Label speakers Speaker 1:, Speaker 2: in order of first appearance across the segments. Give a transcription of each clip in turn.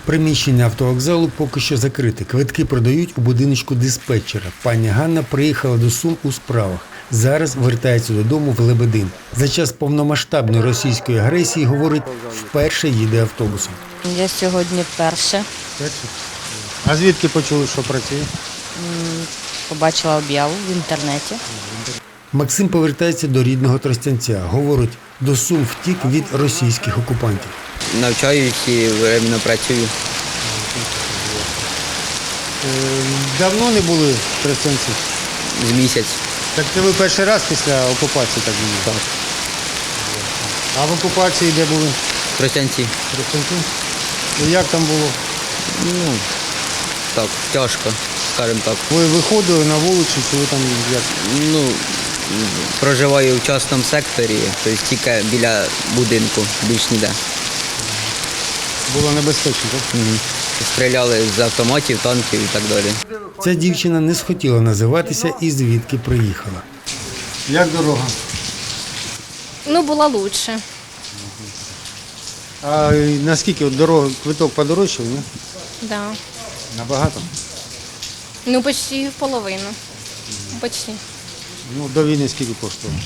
Speaker 1: Приміщення автовокзалу поки що закрите. Квитки продають у будиночку диспетчера. Пані Ганна приїхала до Сум у справах. Зараз вертається додому в Лебедин. За час повномасштабної російської агресії, говорить, вперше їде автобусом.
Speaker 2: Я сьогодні вперше
Speaker 3: А звідки почули, що працює?
Speaker 2: побачила об'яву в інтернеті.
Speaker 1: Максим повертається до рідного Тростянця. Говорить, до Сум втік від російських окупантів.
Speaker 4: Навчаюсь і временно працюю.
Speaker 3: Давно не були в Тростянці?
Speaker 4: З місяць.
Speaker 3: Так це ви перший раз після окупації так були?
Speaker 4: Так.
Speaker 3: А в окупації де були?
Speaker 4: В Тростянці.
Speaker 3: В Тростянці? І як там було?
Speaker 4: Ну, так, тяжко, скажімо так.
Speaker 3: Ви виходили на вулицю, чи ви там як?
Speaker 4: Ну, проживаю в частному секторі, тобто тільки біля будинку, більш ніде.
Speaker 3: Було небезпечно, так?
Speaker 4: Стріляли з автоматів, танків і так далі.
Speaker 1: Ця дівчина не схотіла називатися і звідки приїхала.
Speaker 3: Як дорога?
Speaker 5: Ну, була лучше.
Speaker 3: А наскільки от дорога, квиток подорожчав, ні?
Speaker 5: Да.
Speaker 3: Набагато?
Speaker 5: Ну, почти в половину. Почти.
Speaker 3: Ну, до війни скільки коштувало?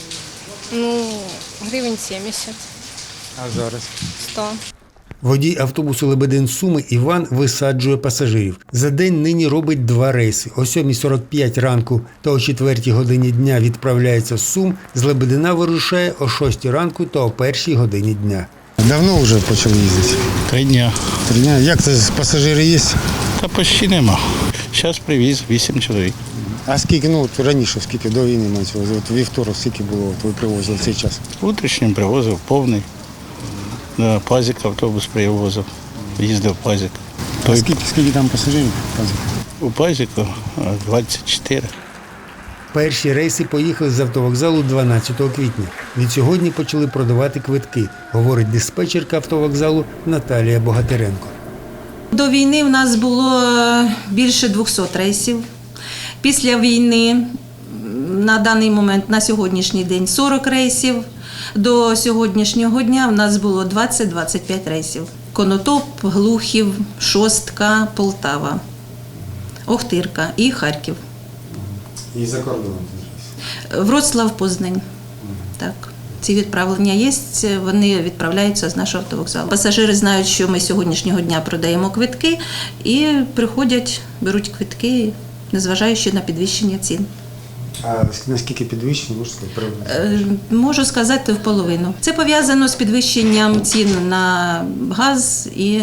Speaker 5: Ну, гривень 70,
Speaker 3: А зараз?
Speaker 5: 100.
Speaker 1: Водій автобусу Лебедин-Суми Іван висаджує пасажирів. За день нині робить 2 рейси. О 7:45 ранку та о 4 годині дня відправляється з Сум. З Лебедина вирушає о 6 ранку та о 1 годині дня.
Speaker 3: Давно вже почали їздити?
Speaker 6: 3 дня.
Speaker 3: 3 дня. Як це, пасажири є?
Speaker 6: Та почти нема. Зараз привіз 8 чоловік.
Speaker 3: А скільки, ну от раніше, скільки до війни мається, от вівторок, скільки було, от ви привозили в цей час?
Speaker 6: Утрішнім привозив повний. Да, Пазик автобус привозив. Їздив Пазик.
Speaker 3: А скільки там пасажирів?
Speaker 6: У Пазику 24.
Speaker 1: Перші рейси поїхали з автовокзалу 12 квітня. Відсьогодні почали продавати квитки, говорить диспетчерка автовокзалу Наталія Богатиренко.
Speaker 7: До війни в нас було більше 200 рейсів. Після війни на даний момент, на сьогоднішній день 40 рейсів. До сьогоднішнього дня в нас було 20-25 рейсів. Конотоп, Глухів, Шостка, Полтава, Охтирка і Харків.
Speaker 3: І за кордоном?
Speaker 7: Вроцлав, Познань. Так. Ці відправлення є, вони відправляються з нашого автовокзалу. Пасажири знають, що ми сьогоднішнього дня продаємо квитки і приходять, беруть квитки, незважаючи на підвищення цін.
Speaker 3: А наскільки підвищення, можна сказати?
Speaker 7: Можу сказати, в половину. Це пов'язано з підвищенням цін на газ і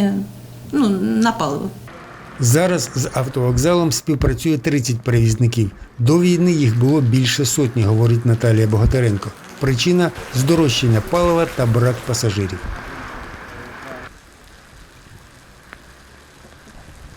Speaker 7: на паливо.
Speaker 1: Зараз з автовокзалом співпрацює 30 перевізників. До війни їх було більше сотні, говорить Наталія Богатиренко. Причина – здорожчання палива та брак пасажирів.